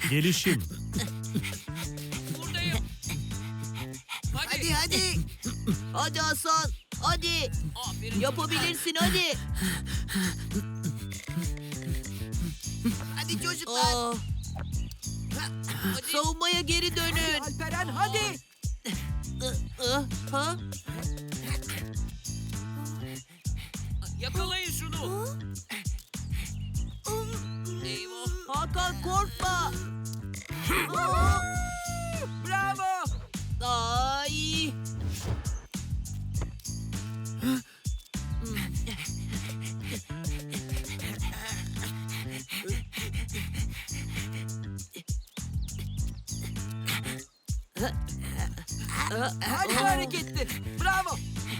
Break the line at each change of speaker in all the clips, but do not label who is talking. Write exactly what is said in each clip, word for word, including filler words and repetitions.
Gelişim.
Buradayım.
Hadi
Hadi.
hadi. Hadi Hasan. Hadi.
Aferin.
Yapabilirsin hadi. Hadi çocuklar.
Hadi.
Savunmaya geri dönün.
Alperen hadi.
Ah, ha?
Yakalayın şunu. Eyvah.
Hakan korkma. Aa,
Bravo.
Ay.
Harika hareketti. Bravo.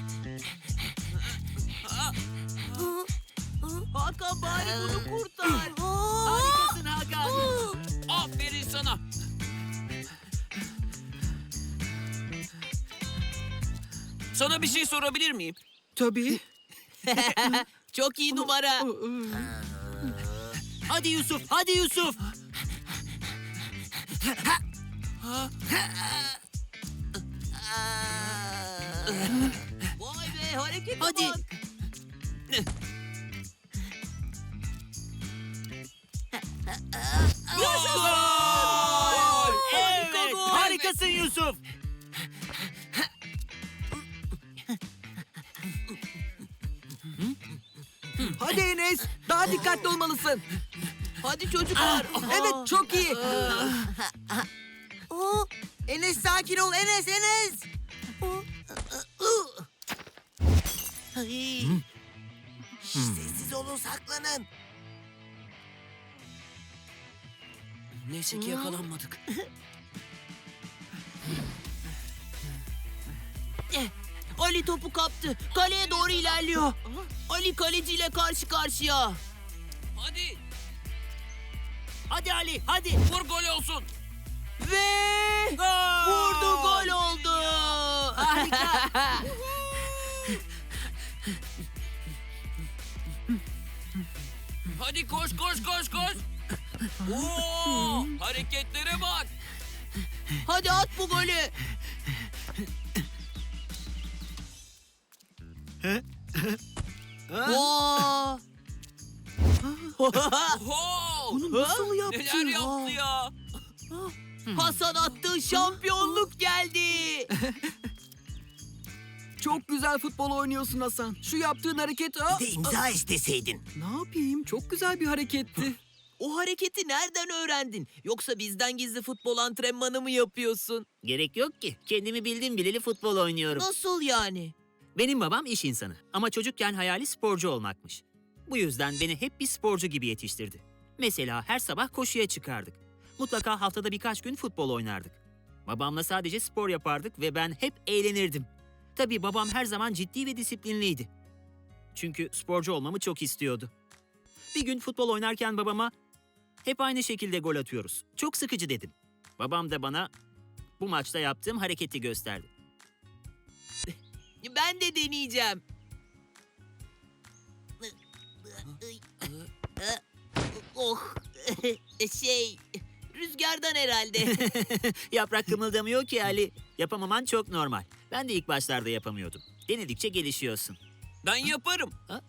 Hakan bari bunu kurtar.
Harikasın Hakan. Aferin sana. Sana bir şey sorabilir miyim?
Tabii.
Çok iyi numara.
Hadi Yusuf, hadi Yusuf.
Vay be harekete
Hadi.
bak.
Gol!
Harika
Evet,
gol.
harikasın Yusuf.
Hadi Enes. Daha dikkatli olmalısın.
Hadi çocuklar.
Evet çok iyi.
Oo, Enes sakin ol Enes Enes. Ay. Şş, sessiz olun saklanın.
Neyse ki yakalanmadık.
Eh, Ali topu kaptı. Kaleye doğru ilerliyor. Ali kaleciyle karşı karşıya.
Hadi,
Hadi Ali hadi.
vur gol olsun.
Ve vurdu gol oldu. Harika.
Hadi koş, koş, koş, koş. Oo, hareketlere bak.
Hadi at bu golü. Oo.
Oho!
Bunu nasıl yaptı?
Neler yaptı ya?
Hasan attı şampiyonluk geldi.
Çok güzel futbol oynuyorsun Hasan. Şu yaptığın hareket... Aa,
De imza isteseydin.
ne yapayım? Çok güzel bir hareketti.
O hareketi nereden öğrendin? Yoksa bizden gizli futbol antrenmanı mı yapıyorsun?
Gerek yok ki. Kendimi bildim bileli futbol oynuyorum.
Nasıl yani?
Benim babam iş insanı ama çocukken hayali sporcu olmakmış. Bu yüzden beni hep bir sporcu gibi yetiştirdi. Mesela her sabah koşuya çıkardık. Mutlaka haftada birkaç gün futbol oynardık. Babamla sadece spor yapardık ve ben hep eğlenirdim. Tabii babam her zaman ciddi ve disiplinliydi. Çünkü sporcu olmamı çok istiyordu. Bir gün futbol oynarken babama hep aynı şekilde gol atıyoruz. Çok sıkıcı dedim. Babam da bana bu maçta yaptığım hareketi gösterdi.
Ben de deneyeceğim. Oh, şey, rüzgardan herhalde.
Yaprak kımıldamıyor ki Ali. Yapamaman çok normal. Ben de ilk başlarda yapamıyordum. Denedikçe gelişiyorsun.
Ben yaparım.
Ha?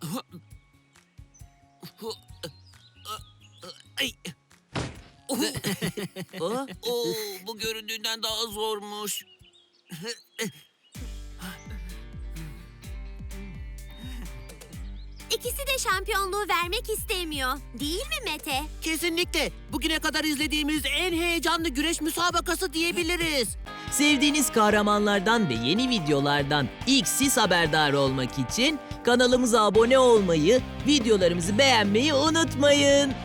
Ay.
Oh,
Oo, bu göründüğünden daha zormuş.
İkisi de şampiyonluğu vermek istemiyor. Değil mi Mete?
kesinlikle. Bugüne kadar izlediğimiz en heyecanlı güreş müsabakası diyebiliriz. Sevdiğiniz kahramanlardan ve yeni videolardan ilk siz haberdar olmak için kanalımıza abone olmayı, videolarımızı beğenmeyi unutmayın.